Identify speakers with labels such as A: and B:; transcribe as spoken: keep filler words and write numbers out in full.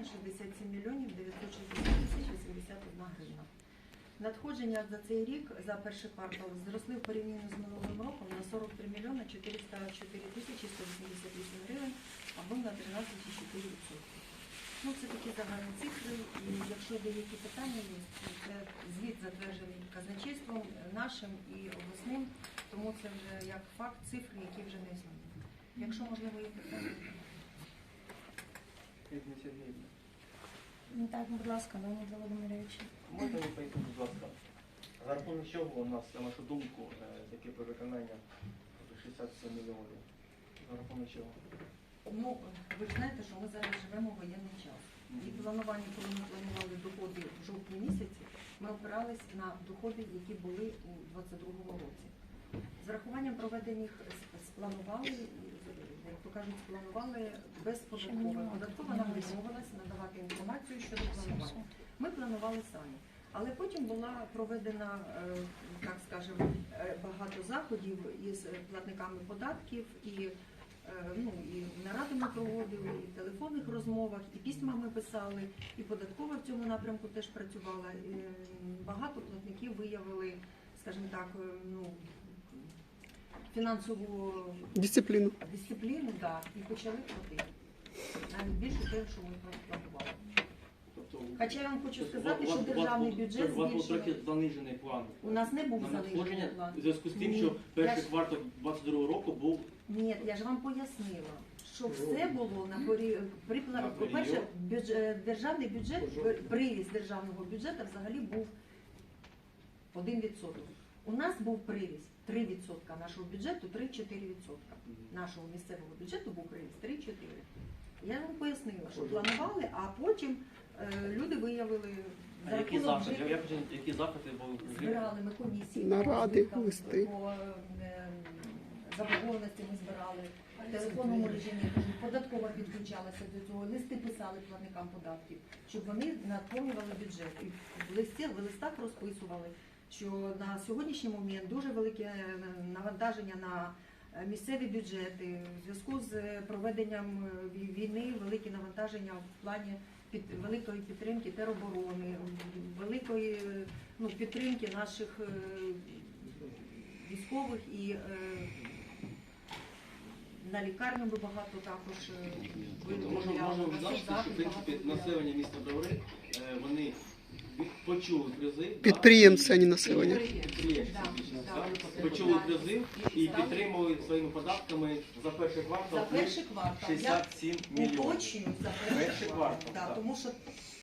A: шістдесят сім мільйонів дев'ятсот шістдесят тисяч вісімдесят одна гривна. Надходження за цей рік, за перший квартал, зросли в порівнянні з минулим роком на сорок три мільйони чотириста чотири тисячі сто вісімдесят вісім гривень або на тринадцять цілих чотири десятих відсотка. Ну, це такі загальні цифри, і якщо деякі питання є, це звіт затверджений казначейством нашим і обласним, тому це вже як факт цифри, які вже не змінені. Якщо, можливо, є питання.
B: Так, будь ласка, Леонід Володимирович.
C: Можна ви пояснити, будь ласка, за рахунок чого у нас, на вашу думку, таке перевиконання шістдесят сім мільйонів? За рахунок чого?
A: Ну, ви ж знаєте, що ми зараз живемо в воєнний час. І планування, коли ми планували доходи в жовтні місяці, ми опирались на доходи, які були у двадцять другому році. З рахуванням проведених спланували, як то кажуть, спланували безподатково. Податкова нам відмовилась надавати інформацію щодо планування. Ми планували самі. Але потім була проведена, так скажемо, багато заходів із платниками податків, і, ну, і наради ми проводили, і в телефонних розмовах, і письма ми писали, і податкова в цьому напрямку теж працювала. І багато платників виявили, скажімо так, ну, фінансову
D: Дисципліну.
A: Дисципліну, да, і почали платити. Навіть більше того, що ми планували. Хоча я вам хочу сказати, що державний бюджет
C: У вас був
A: збільшив.
C: трохи занижений план.
A: У нас не був
C: На
A: занижений
C: надходження
A: план.
C: в зв'язку з тим,
A: Ні,
C: що перший
A: я ж-
C: квартал двадцять другого року був
A: Ні, я ж вам пояснила, що все було на порі... при
C: На
A: пла- По-перше,
C: період.
A: бюдж... е, державний бюджет, приріст державного бюджету взагалі був один відсоток. У нас був приріст три відсотки нашого бюджету, три-чотири відсотки. Нашого місцевого бюджету був приріст три-чотири. Я вам пояснила, що планували, а потім е, люди виявили
C: А
A: за
C: які
A: рахунок
C: заходи?
A: вже-
C: Як же- які заходи були?
A: Збирали ми комісії,
D: Наради,
A: по збиткам,
D: листи.
A: по е, заборгованості ми збирали, в телефонному режимі, кажу, податкова підключалася до цього, листи писали платникам податків, щоб вони наповнювали бюджет. І в листі, в листах розписували, що на сьогоднішній момент дуже велике навантаження на місцеві бюджети, в зв'язку з проведенням війни великі навантаження в плані під великої підтримки тероборони, великої, ну, підтримки наших е, військових, і е, на лікарню ми багато також е,
C: Можна
A: виділяли,
C: можна
A: на
C: відзначити, що
A: соцзахист
C: в принципі
A: багато виділяли.
C: населення міста Бровари, е, вони почули призив.
D: Підприємці, а не населення.
C: Підприємці,
A: Да,
C: більше
A: да.
C: так, почули призив і підтримали своїми податками за перший
A: За
C: квартал
A: перший квартал. Я
C: шістдесят сім мільйонів.
A: уточнюю за перший
C: Перший
A: квартал,
C: квартал,
A: да,
C: так.
A: тому що